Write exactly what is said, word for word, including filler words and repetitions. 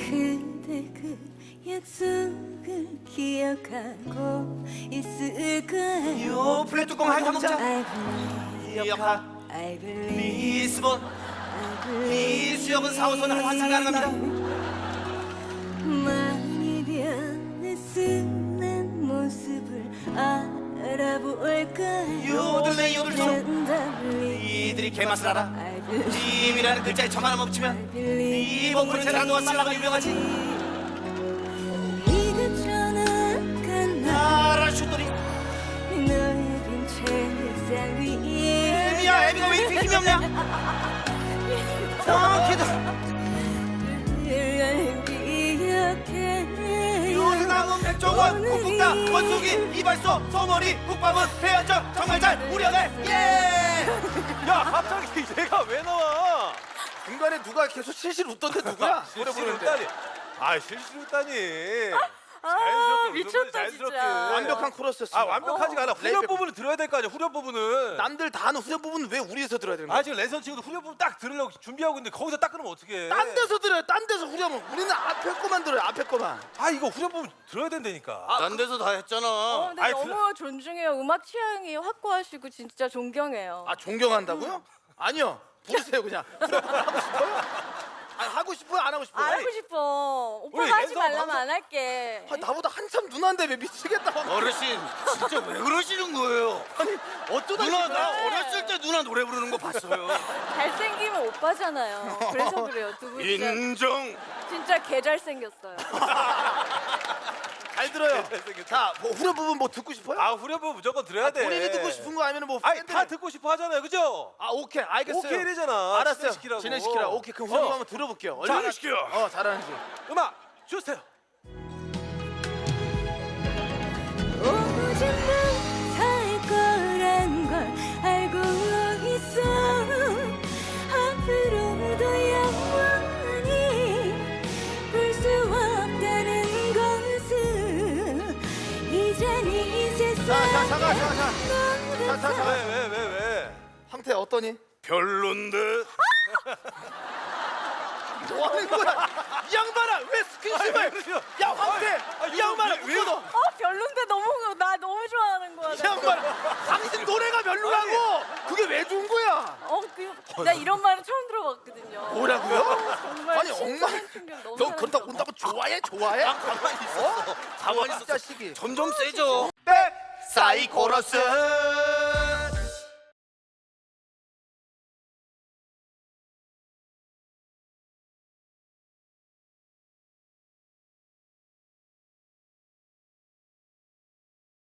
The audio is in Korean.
그대 그 약속을 기억하고 있을까요? 요 플랫 뚜껑 핥아 먹자. I believe, 기억하 I believe, 리스본 I believe. 이 수역은 사호선을 환상 가능합니다. 많이 변했은 난 모습을 알아볼까요? 요들레 요들소 랜덤리 이들이 개맛을 알아. I believe, 짐이라는 글자에 점 하나 멈추면 I believe. 이 봉프는 라노와 살라가 유명하지. 네가 전화간 나라 슛돌이 너의 빈 책상 위에 애미야 애미가 왜 이렇게 힘이 없냐. 아 기도 널 기억해 요새남은 백종원 국국다 원숙이 이발소 소머리 국밥은 배현정 정말 잘 우려내. 예. 야 갑자기 얘가 왜 나와? 중간에 누가 계속 실실 웃던데 누구야? 노래 실실 부르는데 웃다니. 아 실실 웃다니. 아, 자연스럽게 미쳤다, 웃는 거지, 자연스럽게. 진짜. 완벽한 코러스였어. 아 완벽하지가 않아. 후렴 레이백. 부분을 들어야 될 거 아니야. 후렴 부분은. 남들 다 아는 후렴 부분은 왜 우리에서 들어야 되는 거야? 아 지금 레선 친구도 후렴 부분 딱 들으려고 준비하고 있는데 거기서 딱 끊으면 어떡해. 딴 데서 들어요. 딴 데서 후렴은 우리는 앞에 거만 들어요. 앞에 거만. 아 이거 후렴 부분 들어야 된다니까. 딴 데서 다 했잖아. 어, 근데 아이, 너무 존중해요. 음악 취향이 확고하시고 진짜 존경해요. 아 존경한다고요? 아니요. 부르세요 그냥. 후렴 부분 하고 싶어요? 아니 하고 싶어요? 안 하고 싶어요? 안 하고 싶어. 우리 오빠가 하지 랜선 말라면 방송- 안 할게. 아, 나보다 한참 누나인데 왜 미치겠다. 어르신 진짜 왜 그러시는 거예요? 아니 어쩌다 누나 지금- 나 어렸을 때 누나 노래 부르는 거 봤어요. 잘생기면 오빠잖아요. 그래서 그래요. 두 분 진짜, 인정. 진짜 개 잘생겼어요. 잘 들어요. 자, 뭐 후렴 부분 뭐 듣고 싶어요? 아 후렴 부분 무조건 들어야 돼. 본인이 듣고 싶은 거 아니면 뭐 아니 팬들- 다 듣고 싶어 하잖아요, 그죠? 아 오케이 알겠어요. 오케이래잖아. 알았어요. 진행시키라고. 진행시키라. 오케이 그럼 후렴 어. 한번 들어볼게요. 자, 얼마나 시켜. 어 잘하는지. 음악 주세요. 오직 못할 거란 걸 알고 있어 앞으로도 영원히 볼 수 없다는 것을 이젠 이 세상 자, 자, 잠깐, 잠깐, 잠깐. 자, 자, 자. 왜 왜 왜 왜? 황태 어떠니? 별론데. 뭐 하는 거야? 이 양반아 왜 스킨십을? 아니, 그러세요? 야 황태! 아니, 이 양반아 왜- 왜- 묶어둬! 어 별론데 너무 나 너무 좋아하는 거야. 이 양반아 당신 노래가 별로라고! 그게 왜 좋은 거야? 어나 이런 말은 처음 들어봤거든요. 뭐라고요? 정말 아니 신선한 엉망 충격 너무 너 그렇다고 사랑스러워. 온다고 좋아해? 좋아해? 가만히 있었어. 가만히 이 있었어. 자식이 점점 세져. 백 사이코러스.